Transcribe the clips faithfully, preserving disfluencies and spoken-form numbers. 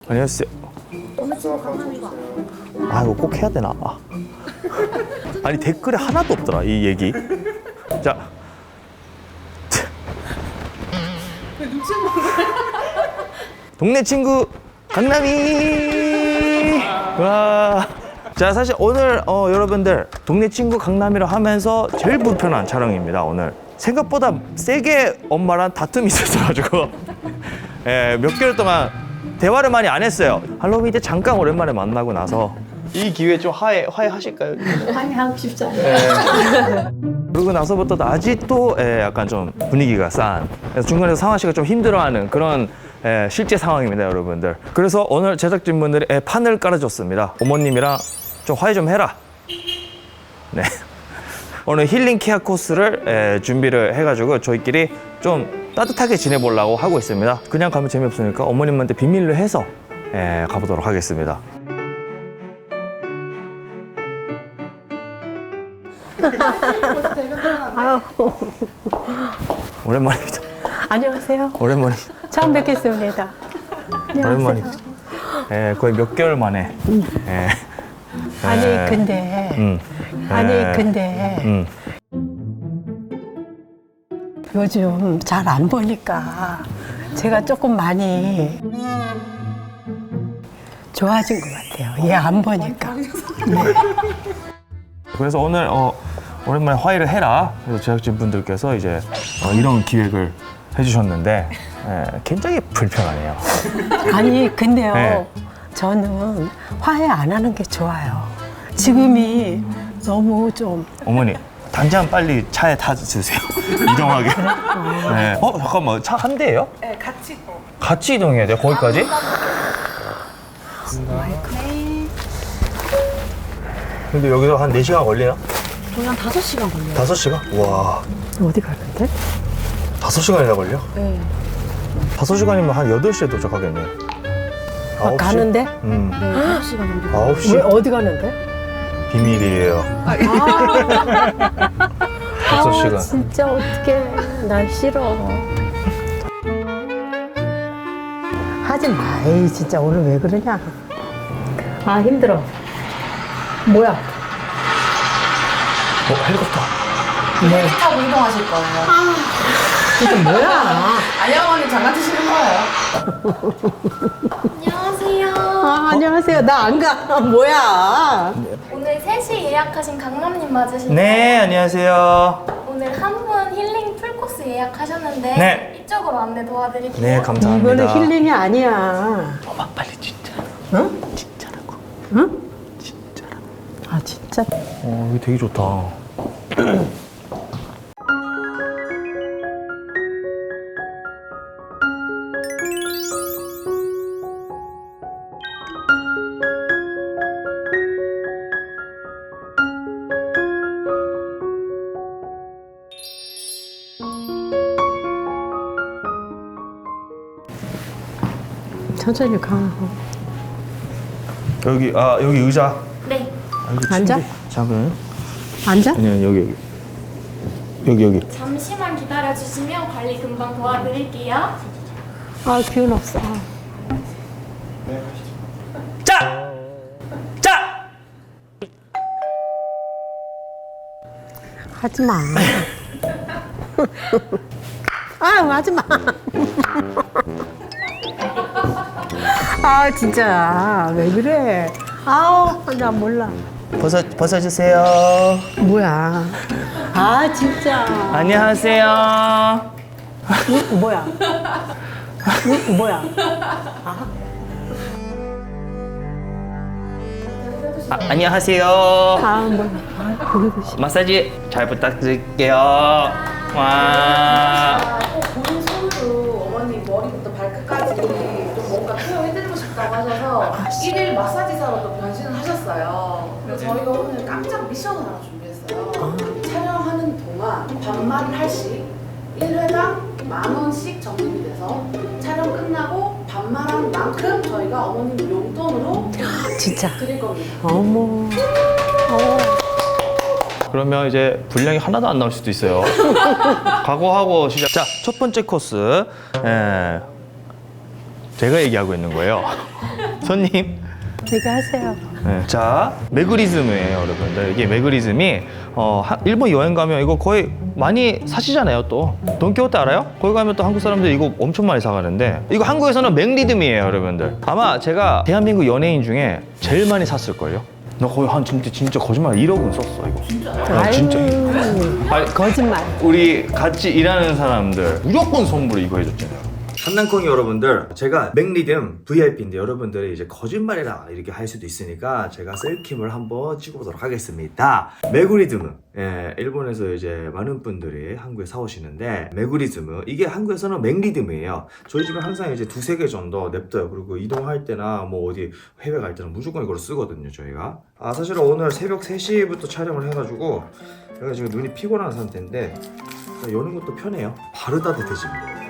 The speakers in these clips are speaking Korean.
안녕하세요. 아 이거 꼭 해야 되나? 아. 아니 댓글에 하나도 없더라 이 얘기. 자. 동네 친구 강남이. 와. 자 사실 오늘 어, 여러분들 동네 친구 강남이라 하면서 제일 불편한 촬영입니다. 오늘 생각보다 세게 엄마랑 다툼이 있었어가지고 예, 몇 개월 동안 대화를 많이 안 했어요. 할로윈 때 잠깐 오랜만에 만나고 나서 이 기회에 좀 화해 화해하실까요? 화해하고 싶잖아요. 예. 그러고 나서부터 아직도 예, 약간 좀 분위기가 싼. 그래서 중간에서 상화 씨가 좀 힘들어하는 그런 예, 실제 상황입니다, 여러분들. 그래서 오늘 제작진분들이 예, 판을 깔아줬습니다. 어머님이랑 좀 화해 좀 해라. 네. 오늘 힐링 케어 코스를 예, 준비를 해가지고 저희끼리 좀 따뜻하게 지내보려고 하고 있습니다. 그냥 가면 재미없으니까 어머님한테 비밀로 해서 예, 가보도록 하겠습니다. 아유, 오랜만입니다. 안녕하세요. 오랜만입니다. 처음 뵙겠습니다. 오랜만입니다. 예, 거의 몇 개월 만에. 예. 아니 예. 근데 음. 아니 예. 근데 음. 요즘 잘 안 보니까 제가 조금 많이 좋아진 것 같아요. 얘 안 보니까. 그래서 오늘 어, 오랜만에 화해를 해라. 그래서 제작진 분들께서 이제 어, 이런 기획을 해주셨는데 예, 굉장히 불편하네요. 아니 근데요. 네. 저는 화해 안 하는 게 좋아요. 지금이 너무 좀 어머니 당장 빨리 차에 타주세요. 이동하게. 네. 어 잠깐만 차 한 대예요? 네, 같이 이동. 같이 이동해야 돼요? 거기까지? 근데 여기서 한 네 시간 걸려요? 그냥 다섯 시간 걸려요. 다섯 시간? 와, 어디 가는데? 다섯 시간이나 걸려? 네. 다섯 시간이면 한 여덟 시에 도착하겠네. 아, 아홉 시? 가는데? 음, 네, 다섯 시간 정도. 아홉 시? 왜 어디 가는데? 비밀이에요. 다섯 아, 시간. 진짜 어떡해. 난 싫어. 하지 마. 에이, 진짜 오늘 왜 그러냐. 아, 힘들어. 뭐야? 어, 헬리콥터. 비행기 타고 이동하실 거예요. 이게 뭐야? 아니, 어머니 장난치시는 거예요. 안녕하세요. 아, 안녕하세요. 나 안 가. 뭐야? 오늘 세 시 예약하신 강남님 맞으신가요? 네, 안녕하세요. 오늘 한 분 힐링 풀코스 예약하셨는데 네. 이쪽으로 안내 도와드릴게요. 네, 감사합니다. 이거는 힐링이 아니야. 엄마 빨리 진짜. 응? 진짜라고. 응? 진짜라고. 아, 진짜. 어, 여기 되게 좋다. 천천히 가. 여기 아 여기 의자. 네. 아, 여기 앉아? 침대. 잠깐. 앉아? 아니요 여기 여기. 여기 여기. 잠시만 기다려주시면 관리 금방 도와드릴게요. 아, 기운 없어. 자! 자! 하지 마. 아, 하지 마. 아, 진짜. 왜 그래? 아우, 나 몰라. 벗어 벗어주세요. 뭐야. 아, 진짜. 안녕하세요. 응? 뭐야. 응? 뭐야. 아, 안녕하세요. 아, 뭐야. 아, 보기도 싫어. 마사지 잘 부탁드릴게요. 와. 본인 손으로 어머니 머리부터 발끝까지 좀 뭔가 케어해드리고 싶다고 하셔서 일일 마사지사로 또 변신을 하셨어요. 그래서 저희가 오늘 깜짝 미션을 하나 준비했어요. 촬영하는 동안 반말 할씩 일 회당 만 원씩 적립이 돼서 촬영 끝나고 반말한 만큼 저희가 어머님 용돈으로 진짜. 드릴 겁니다. 어머. 어. 그러면 이제 분량이 하나도 안 나올 수도 있어요. 각오하고 시작. 자, 첫 번째 코스. 예. 제가 얘기하고 있는 거예요. 손님. 제가 하세요. 네, 자, 매그리즘이에요, 여러분들. 이게 매그리즘이 어, 하- 일본 여행 가면 이거 거의 많이 사시잖아요, 또. 돈키호테 알아요? 거기 가면 또 한국 사람들이 이거 엄청 많이 사가는데 이거 한국에서는 맥리듬이에요, 여러분들. 아마 제가 대한민국 연예인 중에 제일 많이 샀을걸요? 나 거의 한 진짜 진짜 거짓말 일억은 썼어, 이거. 진짜요? 진짜. 아니, 거짓말. 우리 같이 일하는 사람들 무조건 선물을 이거 해줬잖아요. 한남콩이 여러분들, 제가 맥리듬 브이아이피인데 여러분들이 이제 거짓말이라 이렇게 할 수도 있으니까 제가 셀킴을 한번 찍어보도록 하겠습니다. 메구리즘은 예, 일본에서 이제 많은 분들이 한국에 사오시는데 메구리즘은 이게 한국에서는 맥리듬이에요. 저희 집에 항상 이제 두세 개 정도 냅둬요. 그리고 이동할 때나 뭐 어디 해외 갈 때는 무조건 이걸 쓰거든요, 저희가. 아, 사실은 오늘 새벽 세 시부터 촬영을 해가지고 제가 지금 눈이 피곤한 상태인데 여는 것도 편해요. 바로 따뜻해집니다.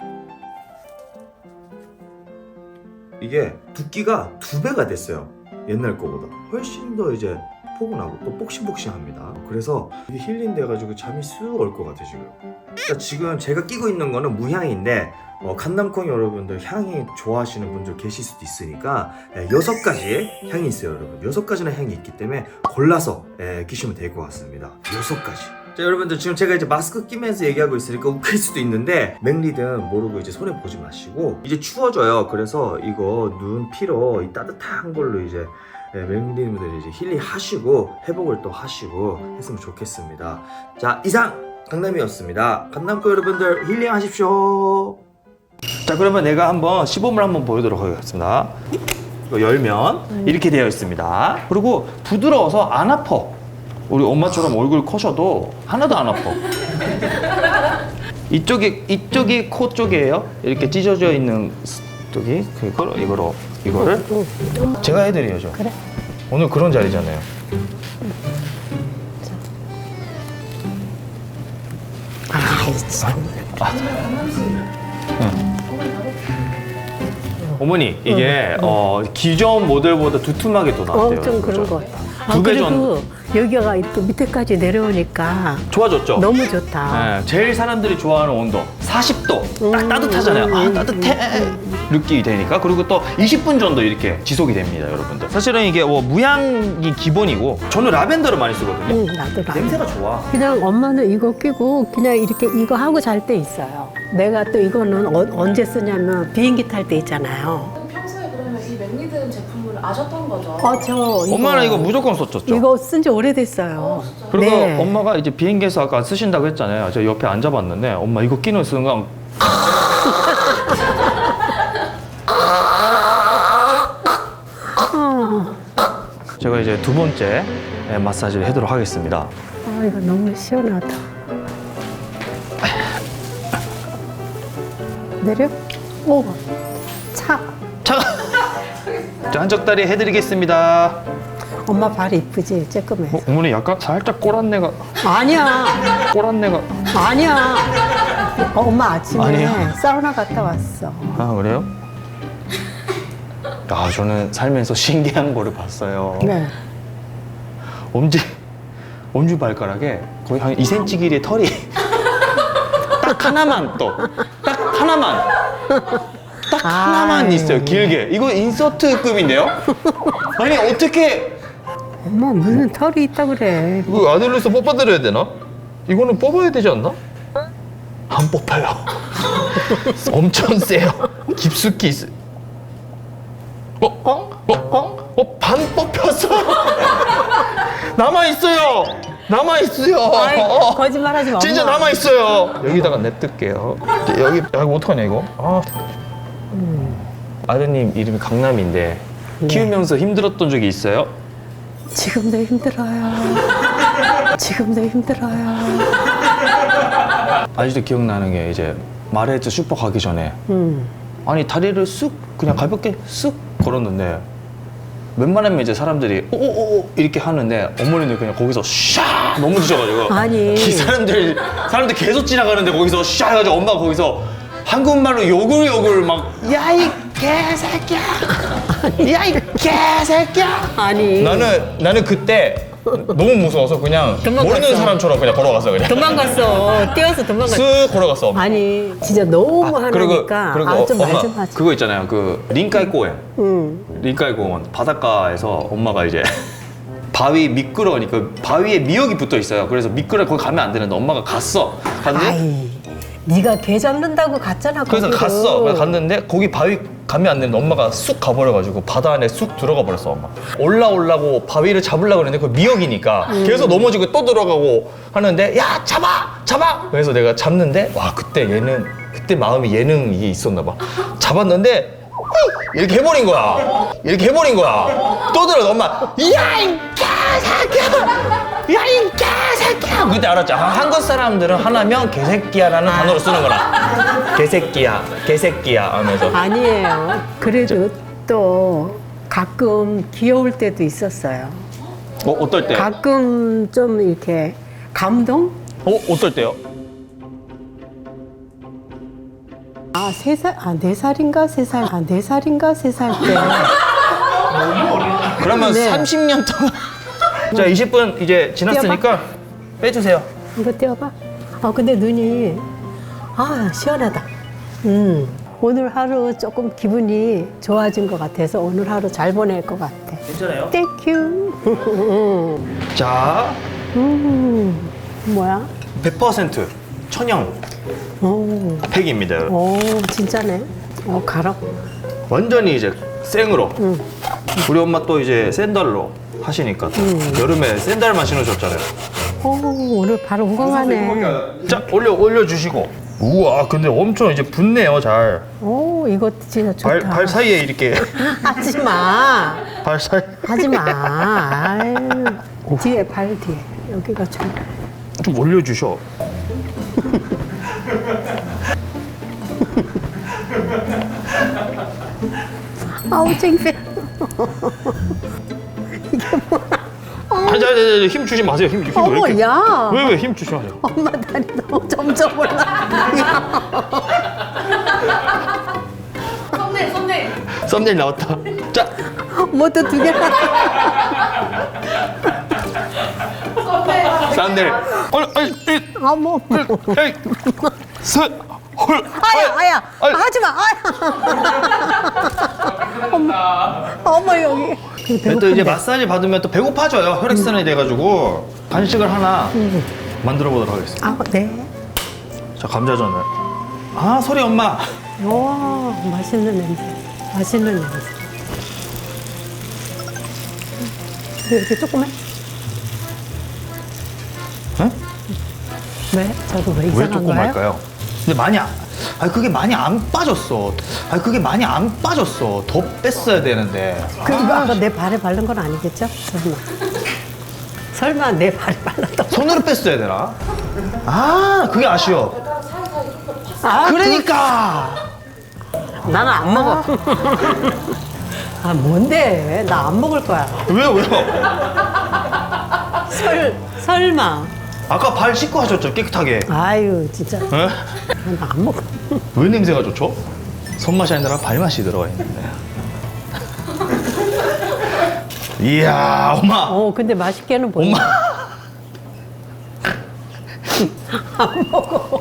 이게 두께가 두 배가 됐어요. 옛날 거보다 훨씬 더 이제 포근하고 또 폭신폭신합니다. 그래서 이게 힐링 돼가지고 잠이 쑥 올 것 같아 지금. 그러니까 지금 제가 끼고 있는 거는 무향인데 어, 칸남콩 여러분들 향이 좋아하시는 분들 계실 수도 있으니까 예, 여섯 가지 향이 있어요, 여러분. 여섯 가지나 향이 있기 때문에 골라서 예, 끼시면 될 것 같습니다. 여섯 가지. 자, 여러분들 지금 제가 이제 마스크 끼면서 얘기하고 있으니까 웃길 수도 있는데 맥리듬 모르고 이제 손에 보지 마시고 이제 추워져요. 그래서 이거 눈 피로 이 따뜻한 걸로 이제 예, 맥리듬들 이제 힐링 하시고 회복을 또 하시고 했으면 좋겠습니다. 자, 이상 강남이었습니다. 강남구 여러분들 힐링 하십시오. 자, 그러면 내가 한번 시범을 한번 보여드리도록 하겠습니다. 이거 열면 이렇게 되어 있습니다. 그리고 부드러워서 안 아파. 우리 엄마처럼 얼굴 커셔도 하나도 안 아파. 이쪽이 이쪽이 코 쪽이에요. 이렇게 찢어져 있는 쪽이 그걸 이거로 이거를 제가 해드려야죠. 그래. 오늘 그런 자리잖아요. 아이 참. 어머니 이게 어, 기존 모델보다 두툼하게 또 나왔대요. 어, 좀 그런 그죠? 것 같아. 아, 두배 그리고 여기가 이렇게 밑에까지 내려오니까 좋아졌죠? 너무 좋다. 네, 제일 사람들이 좋아하는 온도 사십 도 딱 음, 따뜻하잖아요. 음, 아 음, 따뜻해 느낌이 되니까. 그리고 또 이십 분 정도 이렇게 지속이 됩니다, 여러분들. 사실은 이게 뭐 무향이 기본이고 저는 라벤더를 많이 쓰거든요. 응, 나도 나. 냄새가 좋아. 그냥 엄마는 이거 끼고 그냥 이렇게 이거 하고 잘 때 있어요. 내가 또 이거는 어, 언제 쓰냐면 비행기 탈 때 있잖아요. 평소에 그러면 이 맥리듬 제품을 아셨던 거죠? 어, 저 이거, 엄마는 이거 무조건 썼었죠. 이거 쓴 지 오래됐어요. 그리고 네. 엄마가 이제 비행기에서 아까 쓰신다고 했잖아요. 제가 옆에 앉아봤는데 엄마 이거 끼는 순간 어. 제가 이제 두 번째 마사지를 해도록 하겠습니다. 아, 이거 너무 시원하다. 내려? 오, 차. 자, 자 한쪽다리 해드리겠습니다. 엄마 발 이쁘지? 쬐끔해. 어, 어머니 약간 살짝 꼬란내가 아니야, 꼬란내가 아니야. 어, 엄마 아침에 아니야. 사우나 갔다 왔어. 아 그래요? 아 저는 살면서 신기한 거를 봤어요. 네. 엄지 엄지 발가락에 거의 한 이 센티미터 길이의 털이 딱 하나만 떠. 딱 하나만. 딱 하나만 아이. 있어요. 길게. 이거 인서트급인데요? 아니 어떻게 엄마 무슨 털이 있다 그래. 이거 아들로서 뽑아드려야 되나? 이거는 뽑아야 되지 않나? 안 뽑혀요. 엄청 세요. 깊숙이 있어. 어? 어? 어? 어? 어? 반 뽑혔어. 남아 있어요. 남아 있어요. 아이, 거짓말하지 마. 진짜 엄마. 남아 있어요. 여기다가 냅둘게요. 여기 여기 어떡하냐 이거? 아. 아드님 이름이 강남인데 키우면서 힘들었던 적이 있어요? 지금도 힘들어요. 지금도 힘들어요. 아직도 기억나는 게 이제 마레츠 슈퍼 가기 전에 음. 아니 다리를 쑥 그냥 가볍게 쑥 걸었는데 웬만하면 이제 사람들이 오오오 이렇게 하는데 어머니는 그냥 거기서 샤 넘어지셔가지고 아니. 이 사람들 사람들 계속 지나가는데 거기서 샤 해가지고 엄마가 거기서 한국말로 욕을 욕을 막 야 이 개새끼야 야 이 개새끼야 아니. 나는 나는 그때 너무 무서워서 그냥 도망갔어. 모르는 사람처럼 그냥 걸어갔어 그냥. 도망갔어. 뛰어서 도망갔어. 쓱 걸어갔어. 아니 진짜 너무 하나니까 그리고 아, 좀 엄마 말 좀 하지. 그거 있잖아요. 그 린카이 공원. 응. 린카이 공원 바닷가에서 엄마가 이제 바위 미끄러우니까 바위에 미역이 붙어 있어요. 그래서 미끄러 거기 가면 안 되는데 엄마가 갔어. 갔는데 아이, 네가 개 잡는다고 갔잖아. 그래서 거기로. 갔어. 그래서 갔는데 거기 바위 가면 안 되는데 엄마가 쑥 가버려가지고 바다 안에 쑥 들어가 버렸어 엄마. 올라오려고 바위를 잡으려고 그랬는데 그 미역이니까 계속 넘어지고 또 들어가고 하는데 야 잡아 잡아. 그래서 내가 잡는데 와 그때 얘는 그때 마음이 예능 이게 있었나 봐. 잡았는데 이렇게 해버린 거야. 이렇게 해버린 거야. 또 들어 엄마 야이 개새끼야 야이 개새끼야. 그때 알았죠. 아, 한국 사람들은 하나면 개새끼야라는 단어를 쓰는 거라. 개새끼야 개새끼야 하면서. 아니에요. 그래도 또 가끔 귀여울 때도 있었어요. 어 어떨 때? 가끔 좀 이렇게 감동? 어 어떨 때요? 아, 세 살, 아, 네 살인가? 세 살, 아, 네 살인가? 세 살 때. 그러면 네. 삼십 년 동안. 자 이십 분 이제 지났으니까 빼주세요. 이거 떼어봐. 아, 근데 눈이, 아, 시원하다. 음, 오늘 하루 조금 기분이 좋아진 것 같아서 오늘 하루 잘 보낼 것 같아. 괜찮아요? 땡큐. 자 음, 뭐야? 백 퍼센트 천연 오, 팩입니다. 여러분. 오, 진짜네. 어, 가라. 완전히 이제 생으로. 응. 우리 엄마 또 이제 샌들로 하시니까 또 여름에 샌들만 신으셨잖아요. 오, 오늘 바로 건강하네. 자 올려 올려 주시고. 우와 근데 엄청 이제 붙네요 잘. 오, 이거 진짜 좋다. 발, 발 사이에 이렇게 하지 마. 발 사이. 하지 마. 아유. 뒤에, 발 뒤에. 여기가 좀. 좀 올려 주셔. 아우, 창피해. 아니, 아니, 아니, 힘 주지 마세요. 힘, 힘 왜 어머, 이렇게? 야. 왜, 왜 힘 주지 마세요? 엄마 다리 너무 점점 올라. 썸네일 썸네일. 썸네일 나왔다. 자, 뭐또 두 개. 썸네일. 썸네일. 아니, 아니, 이, 어머. 에이, 셋, 홀. 아야, 아야. 아이. 하지 마. 아야. 어머, 어머, 여기. 또 이제 마사지 받으면 또 배고파져요. 혈액순환이 돼가지고 간식을 하나 만들어 보도록 하겠습니다. 아, 네. 자, 감자전을. 아, 소리 엄마. 와, 맛있는 냄새. 맛있는 냄새. 왜 이렇게 조그매? 응? 왜? 저도 왜 왜 이상한 조금 거예요? 할까요? 근데 많이 안, 아니 그게 많이 안 빠졌어. 아니 그게 많이 안 빠졌어. 더 뺐어야 되는데. 그리고 아까 내 발에 바른 건 아니겠죠? 설마. 설마 내 발에 발랐던 손으로 뺐어야 되나? 아, 그게 아쉬워. 아, 그러니까. 그, 나는 안 먹어. 아, 뭔데? 나 안 먹을 거야. 왜요, 왜요? 설, 설마. 아까 발 씻고 하셨죠, 깨끗하게. 아유, 진짜. 에? 나 안 먹어. 왜 냄새가 좋죠? 손맛이 아니라 발맛이 들어가 있는데. 이야, 엄마. 어, 근데 맛있게는 보인다. 엄마. 안 먹어.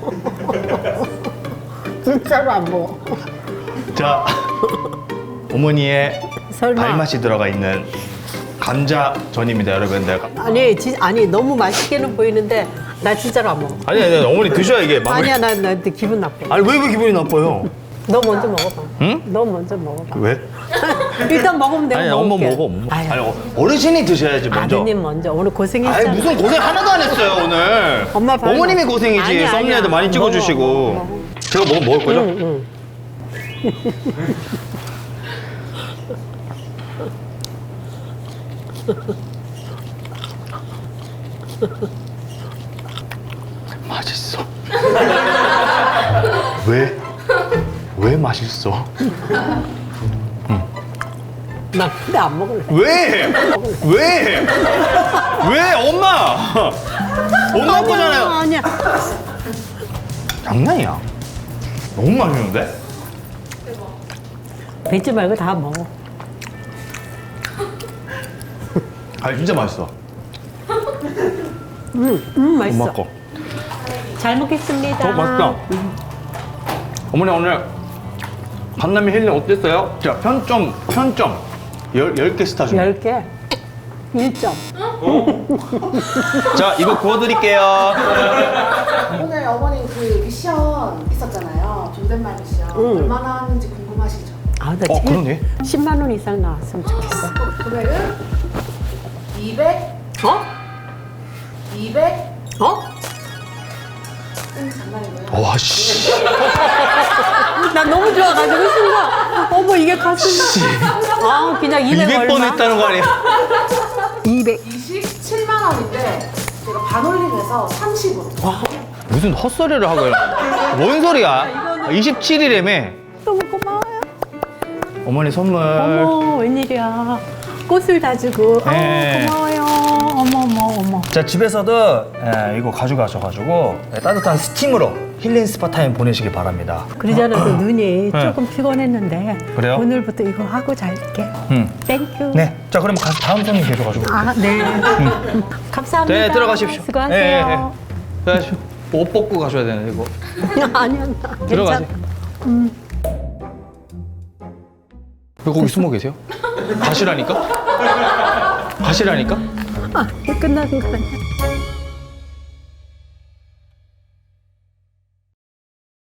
진짜로 안 먹어. 자, 어머니의 설마. 발맛이 들어가 있는 감자전입니다, 여러분들. 아니, 지, 아니, 너무 맛있게는 보이는데 나 진짜로 안 먹어. 아니, 아니, 어머니 드셔야 이게 마무리. 아니야, 나, 나 기분 나빠. 아니, 왜, 왜 기분이 나빠요? 너 먼저 먹어봐. 응? 너 먼저 먹어봐. 왜? 일단 먹으면 내가 아니, 엄마 먹을게. 먹어, 엄마. 아유, 아니, 어, 어르신이 드셔야지, 먼저. 아드님 먼저. 오늘 아니, 고생했잖아. 무슨 고생 하나도 안 했어요, 오늘. 엄마 발 어머님이 먹어. 고생이지. 아니야, 썸네일도 아니야. 많이 찍어주시고. 먹어, 먹어, 먹어. 제가 뭐 먹을 거죠? 응, 응. 맛있어. 왜? 왜 맛있어? 나 근데 안 먹을래. 왜? 왜? 왜? 엄마! 엄마 거잖아요. 아니야. 장난이야. 너무 맛있는데? 뱉지 말고 다 먹어. 아니 진짜 맛있어. 음, 음 맛있어. 엄마 거. 잘 먹겠습니다. 어, 맛있다. 어머니 오늘 강남의 힐링 어땠어요? 자, 편점, 편점. 열, 열 개 스타 중. 열 개. 일 점. 자, 이거 구워드릴게요. 오늘 어머님 그 미션 있었잖아요. 존댓말 미션. 응. 얼마나 하는지 궁금하시죠? 아, 나 어, 제일 그러네. 십만 원 이상 나왔으면 좋겠어. 금액은 이백, 어? 이백, 어? 음, 장난이고요. 와, 씨. 나 너무 좋아가지고 순간 어머 이게 가슴. 아 그냥 이백 이백 번 얼마? 했다는 거 아니야? 이백. 이십칠만 원인데 제가 반올림해서 삼십으로. 무슨 헛소리를 하고요. 뭔 소리야? 이십칠 일에매. 너무 고마워요. 어머니 선물. 어머 웬일이야. 꽃을 다 주고. 네. 어, 고마워요. 어머 어머 어머. 자, 집에서도 예, 이거 가져가셔가지고 예, 따뜻한 스팀으로 힐링 스파 타임 보내시기 바랍니다. 그러잖아 그 눈이 네. 조금 피곤했는데. 그래요? 오늘부터 이거 하고 잘게. 음. 땡큐. 네. 자, 그럼 가서 다음 손님 계셔가지고. 아 네. 감사합니다. 네, 들어가십시오. 수고하세요. 예, 예, 예. 들어가십시오. 옷 벗고 가셔야 되네, 이거. 아니야. 나 들어가세요. 괜찮아. 왜 거기 숨어 계세요? 가시라니까? 가시라니까? 아, 끝나는 거 아니야.